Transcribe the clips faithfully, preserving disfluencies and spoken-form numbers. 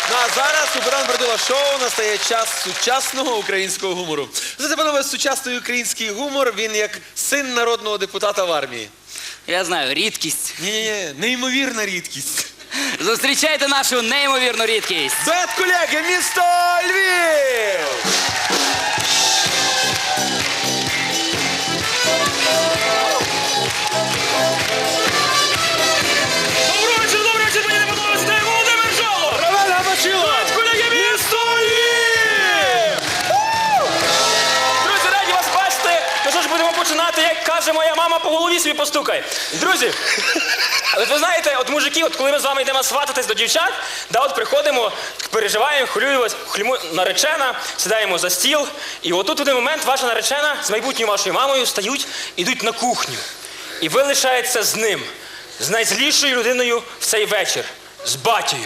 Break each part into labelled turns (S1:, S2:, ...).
S1: Ну а зараз у Богдана Бродила шоу настає час сучасного українського гумору. Знаєте, панове, сучасний український гумор, він як син народного депутата в армії.
S2: Я знаю, рідкість.
S1: Ні-ні-ні, неймовірна рідкість.
S2: Зустрічайте нашу неймовірну рідкість.
S1: Дует колеги, місто Львів!
S3: Доброго вечора, доброго вечора, мені не подобається, це Володимир Жолоб!
S1: Роман Габачило!
S3: Дует колеги, місто Львів! Друзі, раді вас бачити. Ну що ж, будемо починати, як каже моя мама, по голові собі постукай. Друзі, от ви знаєте, от мужики, от коли ми з вами йдемо свататись до дівчат, да, от приходимо, переживаємо, хвилюємось, хвилюємо, наречена, сідаємо за стіл, і отут в один момент ваша наречена з майбутньою вашою мамою стають, ідуть на кухню. І ви лишаєтеся з ним, з найзлішою людиною в цей вечір, з батькою.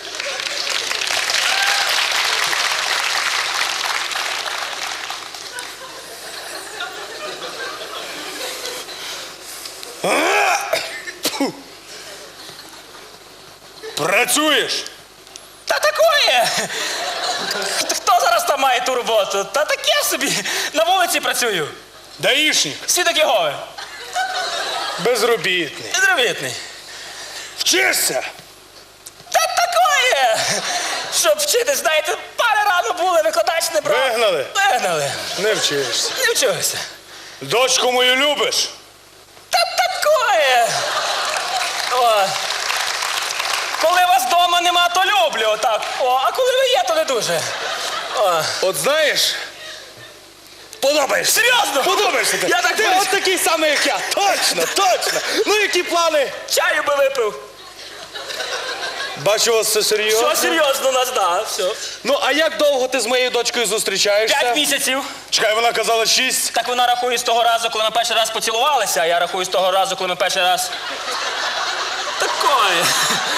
S4: Працюєш?
S3: Та такое! Хто зараз там має ту роботу? Та таке собі, на вулиці працюю.
S4: Даїшник?
S3: Свідок Єгови.
S4: Безробітний.
S3: Підробітний.
S4: Вчишся?
S3: Та такое! Щоб вчитись, знаєте, пари рано були, викладач не брав.
S4: Вигнали?
S3: Вигнали.
S4: Не вчишся.
S3: Не вчився.
S4: Дочку мою любиш?
S3: Та такое! О. Коли вас вдома нема, то люблю, отак. О, а коли ви є, то не дуже. О.
S4: От знаєш, подобаєшся.
S3: Серйозно?
S4: Подобаєшся ти.
S3: Я так
S4: ти
S3: боюсь.
S4: от такий самий, як я. Точно, точно. Ну, які плани?
S3: Чаю би випив.
S4: Бачу, у вас все серйозно.
S3: Все серйозно у нас, да, все.
S4: Ну, а як довго ти з моєю дочкою зустрічаєшся?
S3: П'ять місяців.
S4: Чекай, вона казала шість.
S3: Так вона рахує з того разу, коли ми перший раз поцілувалися, а я рахую з того разу, коли ми перший раз... Такое.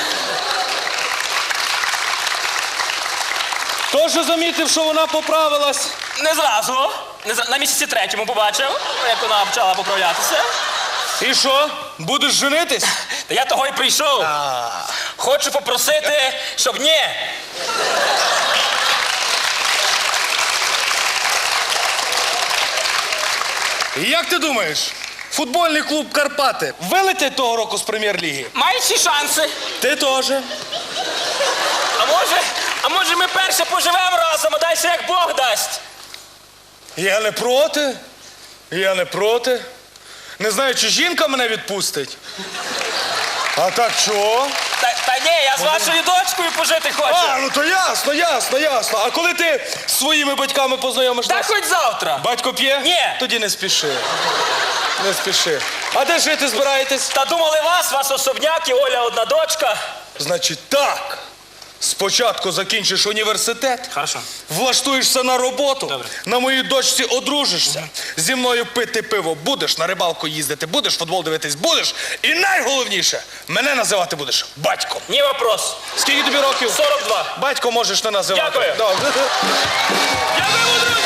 S4: Тож замітив, що вона поправилась.
S3: Не зразу. Не зра- На місяці третьому побачив, як вона почала поправлятися.
S4: І що? Будеш женитись?
S3: Та я того й прийшов. Хочу попросити, щоб ні.
S4: І як ти думаєш, футбольний клуб «Карпати» вилетять того року з прем'єр-ліги?
S3: Мають всі шанси.
S4: Ти теж.
S3: А може, а може ми перше поживемо разом, а далі як Бог дасть.
S4: Я не проти. Я не проти. Не знаю, чи жінка мене відпустить. А так чого?
S3: Та, та ні, я з вашою дочкою пожити хочу.
S4: А, ну то ясно, ясно, ясно. А коли ти з своїми батьками познайомишся?
S3: Та хоч завтра.
S4: Батько п'є?
S3: Ні.
S4: Тоді не спіши. Не спіши. А де жити збираєтесь?
S3: Та думали вас, вас особняк і Оля одна дочка.
S4: Значить так. Спочатку закінчиш університет,
S3: Хорошо.
S4: влаштуєшся на роботу,
S3: Добре.
S4: на моїй дочці одружишся, зі мною пити пиво будеш, на рибалку їздити будеш, футбол дивитись будеш. І найголовніше, мене називати будеш батьком.
S3: Ні вопрос.
S4: Скільки тобі років?
S3: сорок два.
S4: Батько можеш не називати.
S3: Дякую.
S4: Добре.
S3: Дякую, друзі.